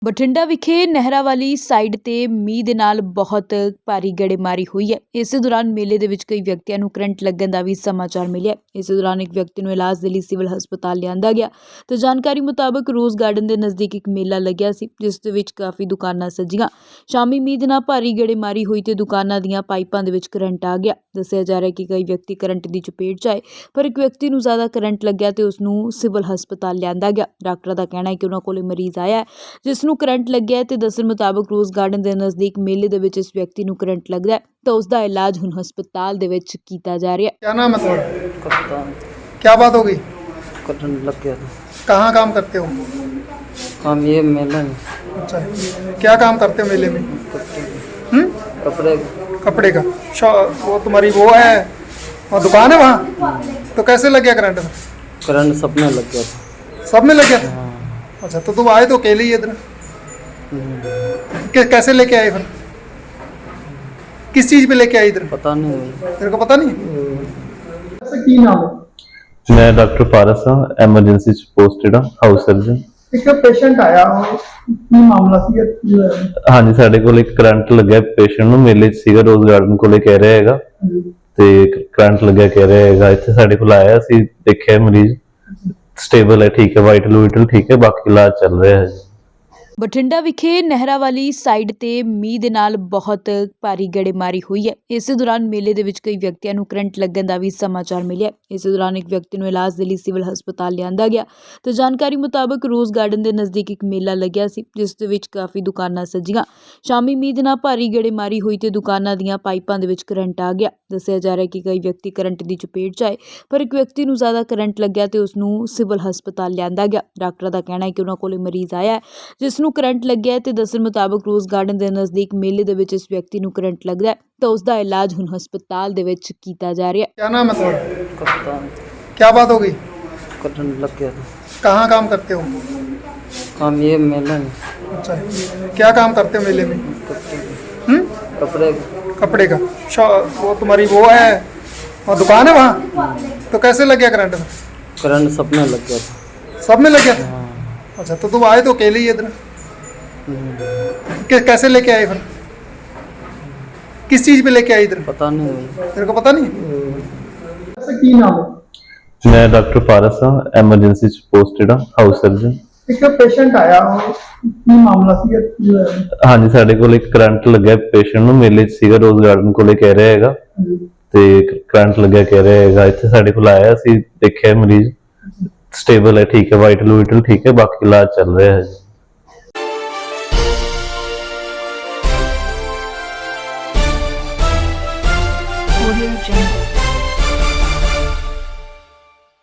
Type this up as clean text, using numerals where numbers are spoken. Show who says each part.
Speaker 1: ਬਠਿੰਡਾ ਵਿਖੇ ਨਹਿਰਾਂ ਵਾਲੀ ਸਾਈਡ ਤੇ ਮੀਂਹ ਦੇ ਨਾਲ ਬਹੁਤ ਭਾਰੀ ਗੜੇਮਾਰੀ ਹੋਈ ਹੈ। ਇਸੇ ਦੌਰਾਨ ਮੇਲੇ ਦੇ ਵਿੱਚ ਕਈ ਵਿਅਕਤੀਆਂ ਨੂੰ ਕਰੰਟ ਲੱਗਣ ਦਾ ਵੀ ਸਮਾਚਾਰ ਮਿਲਿਆ। ਇਸੇ ਦੌਰਾਨ ਇੱਕ ਵਿਅਕਤੀ ਨੂੰ ਇਲਾਜ ਦੇ ਲਈ ਸਿਵਲ ਹਸਪਤਾਲ ਲਿਆਂਦਾ ਗਿਆ ਤੇ ਜਾਣਕਾਰੀ ਮੁਤਾਬਕ ਰੋਜ਼ ਗਾਰਡਨ ਦੇ ਨਜ਼ਦੀਕ ਇੱਕ ਮੇਲਾ ਲੱਗਿਆ ਸੀ, ਜਿਸ ਦੇ ਵਿੱਚ ਕਾਫੀ ਦੁਕਾਨਾਂ ਸਜੀਆਂ। ਸ਼ਾਮੀ ਮੀਂਹ ਦੇ ਨਾਲ ਭਾਰੀ ਗੜੇਮਾਰੀ ਹੋਈ ਤੇ ਦੁਕਾਨਾਂ ਦੀਆਂ ਪਾਈਪਾਂ ਦੇ ਵਿੱਚ ਕਰੰਟ ਆ ਗਿਆ। ਦੱਸਿਆ ਜਾ ਰਿਹਾ ਹੈ ਕਿ ਕਈ ਵਿਅਕਤੀ ਕਰੰਟ ਦੀ ਚਪੇਟ 'ਚ ਆਏ, ਪਰ ਇੱਕ ਵਿਅਕਤੀ ਨੂੰ ਜ਼ਿਆਦਾ ਕਰੰਟ ਲੱਗਿਆ ਤੇ ਉਸ ਨੂੰ ਸਿਵਲ ਹਸਪਤਾਲ ਲਿਆਂਦਾ ਗਿਆ। ਡਾਕਟਰ ਦਾ ਕਹਿਣਾ ਹੈ ਕਿ ਉਹਨਾਂ ਕੋਲ ਮਰੀਜ਼ ਆਇਆ ਹੈ ਜਿਸ ਨੂੰ ਕਰੰਟ ਲੱਗਿਆ ਤੇ ਦੱਸਣ ਮੁਤਾਬਕ ਰੋਜ਼ ਗਾਰਡਨ ਦੇ ਨਜ਼ਦੀਕ ਮੇਲੇ ਦੇ ਵਿੱਚ ਇਸ ਵਿਅਕਤੀ ਨੂੰ ਕਰੰਟ ਲੱਗਦਾ ਹੈ ਤਾਂ ਉਸ ਦਾ ਇਲਾਜ ਹੁਣ ਹਸਪਤਾਲ ਦੇ ਵਿੱਚ ਕੀਤਾ ਜਾ ਰਿਹਾ ਹੈ।
Speaker 2: क्या नाम है तुम्हारा?
Speaker 3: कप्तान
Speaker 2: क्या बात हो गई?
Speaker 3: करंट लग गया था।
Speaker 2: कहाँ काम करते हो?
Speaker 3: हम ये मेला में
Speaker 2: अच्छा, क्या काम करते हो मेले में?
Speaker 3: कपड़े
Speaker 2: कपड़े का वो तुम्हारी वो है, वहाँ दुकान है वहाँ? तो कैसे लग गया करंट?
Speaker 3: करंट सब में लग गया था।
Speaker 2: सब में लग गया था?
Speaker 3: हाँ।
Speaker 2: अच्छा, तो तुम आए तो अकेले ही इधर कैसे लेके आए फिर? किस चीज़ पे लेके आए इधर?
Speaker 3: पता नहीं।
Speaker 2: तेरे को पता नहीं? ऐसा की नाम है?
Speaker 4: मैं डॉक्टर पारस हाँ, एमरजेंसी पोस्टेड हाँ, हाउस सर्जन।
Speaker 2: ਇੱਕ ਪੇਸ਼ੈਂਟ ਆਇਆ, ਕੀ ਮਾਮਲਾ ਸੀ?
Speaker 4: ਹਾਂਜੀ, ਸਾਡੇ ਕੋਲ ਇੱਕ ਕਰੰਟ ਲੱਗਿਆ ਪੇਸ਼ੈਂਟ ਨੂੰ, ਮੇਲੇ 'ਚ ਸੀਗਾ, ਰੋਜ਼ ਗਾਰਡਨ ਕੋਲੇ ਕਹਿ ਰਿਹਾ ਹੈਗਾ ਤੇ ਕਰੰਟ ਲੱਗਿਆ ਕਹਿ ਰਿਹਾ ਹੈਗਾ। ਇੱਥੇ ਸਾਡੇ ਕੋਲ ਆਇਆ ਸੀ, ਦੇਖਿਆ ਮਰੀਜ਼ ਸਟੇਬਲ ਹੈ, ਠੀਕ ਹੈ, ਵਾਈਟਲ ਠੀਕ ਹੈ, ਬਾਕੀ ਇਲਾਜ ਚੱਲ ਰਿਹਾ ਹੈ।
Speaker 1: ਬਠਿੰਡਾ ਵਿਖੇ ਨਹਿਰਾਂ ਵਾਲੀ ਸਾਈਡ ਤੇ ਮੀਂਹ ਦੇ ਨਾਲ ਬਹੁਤ ਭਾਰੀ ਗੜੇਮਾਰੀ ਹੋਈ ਹੈ। ਇਸੇ ਦੌਰਾਨ ਮੇਲੇ ਦੇ ਵਿੱਚ ਕਈ ਵਿਅਕਤੀਆਂ ਨੂੰ ਕਰੰਟ ਲੱਗਣ ਦਾ ਵੀ ਸਮਾਚਾਰ ਮਿਲਿਆ। ਇਸੇ ਦੌਰਾਨ ਇੱਕ ਵਿਅਕਤੀ ਨੂੰ ਇਲਾਜ ਦੇ ਲਈ ਸਿਵਲ ਹਸਪਤਾਲ ਲਿਆਂਦਾ ਗਿਆ ਤੇ ਜਾਣਕਾਰੀ ਮੁਤਾਬਕ ਰੋਜ਼ ਗਾਰਡਨ ਦੇ ਨਜ਼ਦੀਕ ਇੱਕ ਮੇਲਾ ਲੱਗਿਆ ਸੀ, ਜਿਸ ਦੇ ਵਿੱਚ ਕਾਫੀ ਦੁਕਾਨਾਂ ਸਜੀਆਂ। ਸ਼ਾਮੀ ਮੀਂਹ ਦੇ ਨਾਲ ਭਾਰੀ ਗੜੇਮਾਰੀ ਹੋਈ ਤੇ ਦੁਕਾਨਾਂ ਦੀਆਂ ਪਾਈਪਾਂ ਦੇ ਵਿੱਚ ਕਰੰਟ ਆ ਗਿਆ। ਦੱਸਿਆ ਜਾ ਰਿਹਾ ਹੈ ਕਿ ਕਈ ਵਿਅਕਤੀ ਕਰੰਟ ਦੀ ਚਪੇਟ 'ਚ ਆਏ, ਪਰ ਇੱਕ ਵਿਅਕਤੀ ਨੂੰ ਜ਼ਿਆਦਾ ਕਰੰਟ ਲੱਗਿਆ ਤੇ ਉਸ ਨੂੰ ਸਿਵਲ ਹਸਪਤਾਲ ਲਿਆਂਦਾ ਗਿਆ। ਡਾਕਟਰ ਦਾ ਕਹਿਣਾ ਹੈ ਕਿ ਉਹਨਾਂ ਕੋਲ ਮਰੀਜ਼ ਆਇਆ ਹੈ ਜਿਸ ਨੂੰ ਕਰੰਟ ਲੱਗਿਆ ਤੇ ਦੱਸਣ ਮੁਤਾਬਕ ਰੋਜ਼ ਗਾਰਡਨ ਦੇ ਨਜ਼ਦੀਕ ਮੇਲੇ ਦੇ ਵਿੱਚ ਇਸ ਵਿਅਕਤੀ ਨੂੰ ਕਰੰਟ ਲੱਗਦਾ ਹੈ ਤਾਂ ਉਸ ਦਾ ਇਲਾਜ ਹੁਣ ਹਸਪਤਾਲ ਦੇ ਵਿੱਚ ਕੀਤਾ ਜਾ ਰਿਹਾ ਹੈ।
Speaker 2: क्या नाम है तुम्हारा?
Speaker 3: कप्तान
Speaker 2: क्या बात हो गई?
Speaker 3: करंट लग गया था।
Speaker 2: कहाँ काम करते हो?
Speaker 3: हम ये मेला में
Speaker 2: अच्छा, क्या काम करते हो मेले में?
Speaker 3: कपड़े
Speaker 2: कपड़े का वो तुम्हारी वो है, वहाँ दुकान है वहाँ? तो कैसे लग गया करंट?
Speaker 3: करंट सब में लग गया था।
Speaker 2: सब में लग गया था?
Speaker 3: हाँ।
Speaker 2: अच्छा, तो तुम आए तो अकेले ही इधर कैसे लेके आए फिर? किस चीज़ पे लेके आए इधर?
Speaker 3: पता नहीं।
Speaker 2: तेरे को पता नहीं? ऐसा की नाम है?
Speaker 4: मैं डॉक्टर पारस हाँ, एमरजेंसी पोस्टेड हाँ, हाउस सर्जन।
Speaker 2: ਇੱਕ ਪੇਸ਼ੈਂਟ ਆਇਆ, ਕੀ ਮਾਮਲਾ ਸੀ?
Speaker 4: ਹਾਂਜੀ, ਸਾਡੇ ਕੋਲ ਇੱਕ ਕਰੰਟ ਲੱਗਿਆ ਪੇਸ਼ੈਂਟ ਨੂੰ, ਮੇਲੇ 'ਚ ਸੀਗਾ, ਰੋਜ਼ ਗਾਰਡਨ ਕੋਲੇ ਕਹਿ ਰਿਹਾ ਹੈਗਾ ਤੇ ਕਰੰਟ ਲੱਗਿਆ ਕਹਿ ਰਿਹਾ ਹੈਗਾ। ਇੱਥੇ ਸਾਡੇ ਕੋਲ ਆਇਆ ਸੀ, ਦੇਖਿਆ ਮਰੀਜ਼ ਸਟੇਬਲ ਹੈ, ਠੀਕ ਹੈ, ਵਾਈਟਲ ਠੀਕ ਹੈ, ਬਾਕੀ ਇਲਾਜ ਚੱਲ ਰਿਹਾ ਹੈ।
Speaker 1: Audio Jungle।